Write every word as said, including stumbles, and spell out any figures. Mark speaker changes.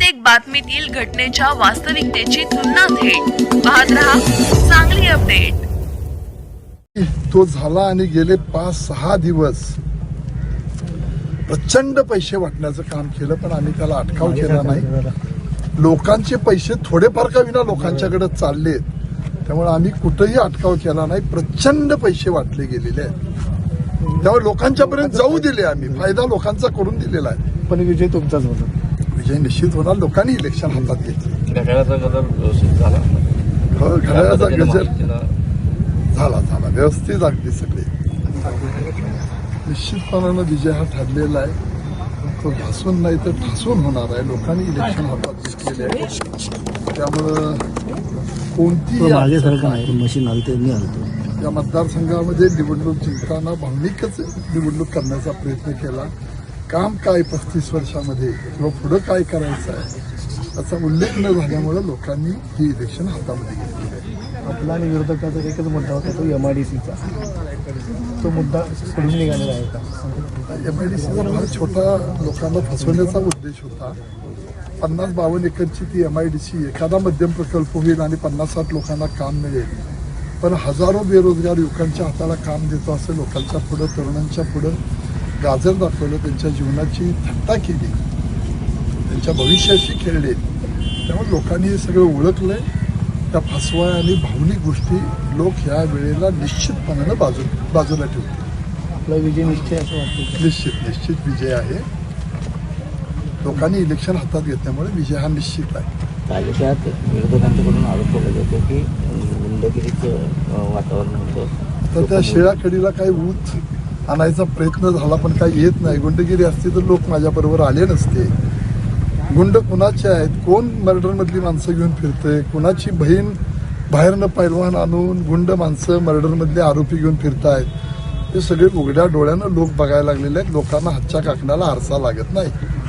Speaker 1: प्रत्येक बातमीतील घटनेच्या वास्तविकतेची तुलना थेट पाहत रहा सांगली अपडेट।
Speaker 2: तो झाला आणि गेले पाच सहा दिवस प्रचंड पैसे वाटण्याचं काम केलं, पण आम्ही त्याला अटकाव केला नाही। लोकांचे पैसे थोडेफार का विना लोकांच्याकडे चाललेत, त्यामुळे आम्ही कुठेही अटकाव केला नाही। प्रचंड पैसे वाटले गेलेले आहेत, त्यामुळे लोकांच्यापर्यंत जाऊ दिले आम्ही, फायदा लोकांचा करून दिलेला आहे।
Speaker 3: पण विजय तुमचाच होता,
Speaker 2: विजय निश्चित होणार। लोकांनी इलेक्शन हातात घेतले,
Speaker 4: घड्याळाचा गजर व्यवस्थित झाला,
Speaker 2: हो घड्याळाचा गजर झाला झाला व्यवस्थित अगदी सगळे। निश्चितपणानं विजय हा ठरलेला आहे, तो घासून नाही तर ठासून होणार आहे। लोकांनी इलेक्शन हातात घेतलेले आहे, त्यामुळं कोणती
Speaker 3: मागे सारखं नाही, मशीन आलते मी आलतो
Speaker 2: या मतदारसंघामध्ये निवडणूक जिंकताना भावनिकच निवडणूक करण्याचा प्रयत्न केला। काम काय पस्तीस वर्षामध्ये किंवा पुढं काय करायचं आहे याचा उल्लेख न झाल्यामुळे लोकांनी ही इलेक्शन हातामध्ये घेतली आहे।
Speaker 3: आपला आणि विरोधकाचा एकच मुद्दा होता, तो एम आय डी सीचा। तो मुद्दा सोडून निघालेला आहे का?
Speaker 2: एम आय डी सीचा फार छोटा लोकांना फसवण्याचा उद्देश होता। पन्नास बावन्न एकरची ती एम आय डी सी एखादा मध्यम प्रकल्प होईल आणि पन्नास साठ लोकांना काम मिळेल, पण हजारो बेरोजगार युवकांच्या हाताला काम देतो असं लोकांच्या पुढं, तरुणांच्या पुढं गाजर दाखवलं, त्यांच्या जीवनाची थट्टा केली, त्यांच्या भविष्याशी खेळले। त्यामुळे लोकांनी हे सगळं ओळखलंय। त्या फसवा आणि भावनिक गोष्टी लोक ह्या वेळेला निश्चितपणानं बाजू बाजूला ठेवतील।
Speaker 3: आपला विजय निश्चय असं वाटतं?
Speaker 2: निश्चित निश्चित विजय आहे। लोकांनी इलेक्शन हातात घेतल्यामुळे विजय हा निश्चित आहे।
Speaker 5: तालुक्यात विरोधकांकडून आरोप केला जातो की गुंडगिरीचं वातावरण होतं,
Speaker 2: तर त्या शिळाकडीला काही ऊत आणायचा प्रयत्न झाला, पण काही येत नाही। गुंडगिरी असती तर लोक माझ्याबरोबर आले नसते। गुंड कुणाचे आहेत, कोण मर्डरमधली माणसं घेऊन फिरतंय, कुणाची बहीण बाहेरनं पैलवान आणून गुंड माणसं मर्डरमधले आरोपी घेऊन फिरतायत, हे सगळे उघड्या डोळ्यानं लोक बघायला लागलेले आहेत। लोकांना हातच्या काकणाला आरसा लागत नाही।